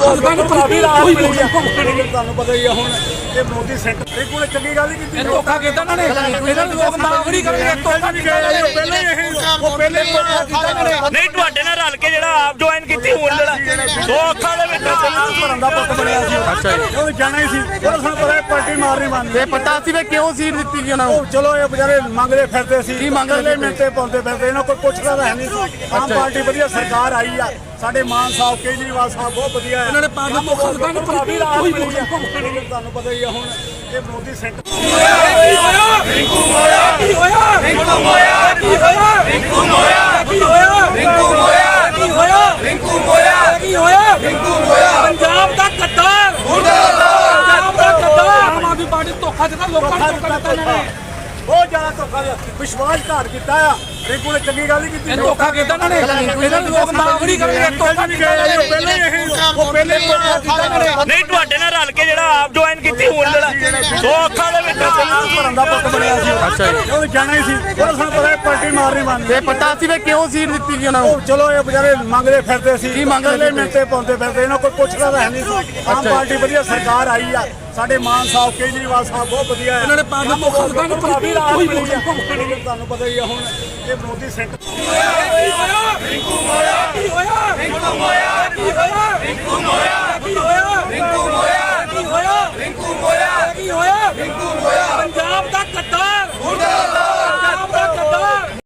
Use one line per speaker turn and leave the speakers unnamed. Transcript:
ਕਾਫੀ ਰਾਹਤ ਮਿਲੀ ਆ। ਤੁਹਾਨੂੰ ਪਤਾ ਹੀ ਆ ਹੁਣ ਇਹ ਮੋਦੀ ਸੈਂਟਰ ਕੋਲ ਚੰਗੀ ਗੱਲ ਨਹੀਂ ਕੀਤੀ।
ਧੋਖਾ ਕੀਤਾ ਇਹਨਾਂ ਨੇ, ਇਹਨਾਂ ਨੂੰ ਲੋਕ ਮਾਫ ਨਹੀਂ ਕਰਨਗੇ। ਧੋਖਾ ਨਹੀਂ
ਪਹਿਲੇ ਉਹ ਪਹਿਲੇ ਧੋਖਾ ਕੀਤਾ ਇਹਨਾਂ ਨੇ।
ਨਹੀਂ ਤੁਹਾਡੇ ਨਾਲ ਰਲ ਕੇ ਜਿਹੜਾ ਆਪ ਜੁਆਇਨ ਕੀਤੀ ਹੁਣ ਜਿਹੜਾ 2 ਅੱਖਾਂ ਦੇ ਵਿੱਚ
ਭਰਨ ਦਾ ਪੁੱਤ ਬਣਿਆ ਸੀ।
ਅੱਛਾ ਜੀ,
ਉਹ ਜਾਣਾ ਹੀ ਸੀ। ਉਹ ਸਾਨੂੰ ਪਤਾ ਪਾਰਟੀ ਮਾਰਨੀ ਮੰਨਦੇ।
ਤੇ ਪਤਾ ਸੀ ਵੀ ਕਿਉਂ ਸੀਟ ਦਿੱਤੀ ਗਈ ਉਹਨਾਂ ਨੂੰ?
ਚਲੋ ਇਹ ਵਿਚਾਰੇ ਮੰਗਦੇ ਫਿਰਦੇ ਸੀ।
ਕੀ ਮੰਗਦੇ
ਲੈ ਮਿੰਟੇ ਪਾਉਂਦੇ ਫਿਰਦੇ, ਇਹਨਾਂ ਕੋਈ ਪੁੱਛਦਾ ਤਾਂ ਹੈ ਨਹੀਂ ਸੀ। ਆਮ ਪਾਰਟੀ ਵਧੀਆ ਸਰਕਾਰ ਆਈ ਆ। ਸਾਡੇ ਮਾਨ ਸਾਹਿਬ ਕੇਜਰੀਵਾਲ ਸਾਹਿਬ ਬਹੁਤ ਵਧੀਆ ਹੈ।
ਇਹਨਾਂ ਨੇ ਪਾਰਟੀ ਨੂੰ
ਕਾਫੀ ਰਾਹਤ ਮਿਲੀ ਆ। ਤੁਹਾਨੂੰ ਪਤਾ ਹੀ ਆ ਹੁਣ ਇਹ ਮੋਦੀ ਸੈਂਟਰ
ਪੰਜਾਬ ਦਾ ਗੱਦਾਰ, ਪੰਜਾਬ ਦਾ ਗੱਦਾਰ ਆਮ ਆਦਮੀ ਪਾਰਟੀ ਧੋਖਾ ਦਿੱਤਾ ਲੋਕਾਂ ਨੂੰ। ਧੋਖਾ ਦਿੱਤਾ ਇਹਨਾਂ ਨੇ,
ਬਹੁਤ ਜ਼ਿਆਦਾ ਧੋਖਾ ਵਿਸ਼ਵਾਸਘਾਤ ਕੀਤਾ ਆ। ਰਿੰਕੂ ਨੇ ਚੰਗੀ ਗੱਲ ਨਹੀਂ ਕੀਤੀ।
ਧੋਖਾ ਕੀਤਾ ਇਹਨਾਂ ਨੇ, ਇਹਨਾਂ ਨੂੰ ਲੋਕ ਮਾਫ ਨਹੀਂ ਕਰਨਗੇ। ਧੋਖਾ ਨਹੀਂ ਕੀਤਾ।
ਉਹ ਪਹਿਲੇ ਧੋਖਾ ਕੀਤਾ ਇਹਨਾਂ ਨੇ।
ਨਹੀਂ ਤੁਹਾਡੇ ਨਾਲ ਰਲ ਕੇ ਜਿਹੜਾ ਆਪ ਜੁਆਇਨ ਕੀਤੀ ਹੁਣ ਜਿਹੜਾ 2 ਅੱਖਾਂ ਦੇ ਵਿੱਚ
ਭਰਨ ਦਾ ਪੁੱਤ ਬਣਿਆ ਸੀ।
ਅੱਛਾ ਜੀ,
ਉਹ ਜਾਣਾ ਹੀ ਸੀ। ਉਹ ਸਾਨੂੰ ਪਤਾ ਪਾਰਟੀ ਮਾਰਨੀ ਮੰਨਦੇ।
ਤੇ ਪਤਾ ਸੀ ਵੀ ਕਿਉਂ ਸੀਟ ਦਿੱਤੀ ਗਈ ਉਹਨਾਂ ਨੂੰ?
ਚਲੋ ਇਹ ਵਿਚਾਰੇ ਮੰਗਦੇ ਫਿਰਦੇ ਸੀ।
ਕੀ ਮੰਗਦੇ
ਲੈ ਮਿੰਟੇ ਪਾਉਂਦੇ ਫਿਰਦੇ, ਇਹਨਾਂ ਕੋਈ ਪੁੱਛਦਾ ਤਾਂ ਹੈ ਨਹੀਂ ਸੀ। ਆਮ ਪਾਰਟੀ ਵਧੀਆ ਸਰਕਾਰ ਆਈ ਆ। ਸਾਡੇ ਮਾਨ ਸਾਹਿਬ ਕੇਜਰੀਵਾਲ ਸਾਹਿਬ ਬਹੁਤ ਵਧੀਆ ਹੈ।
ਇਹਨਾਂ ਨੇ ਪਾਰਟੀ ਨੂੰ ਧੋਖਾ ਦਿੱਤਾ।
ਕਾਫੀ ਰਾਹਤ ਮਿਲੀ ਆ। ਤੁਹਾਨੂੰ ਪਤਾ ਹੀ ਆ ਹੁਣ ਇਹ ਮੋਦੀ ਸੈਂਟਰ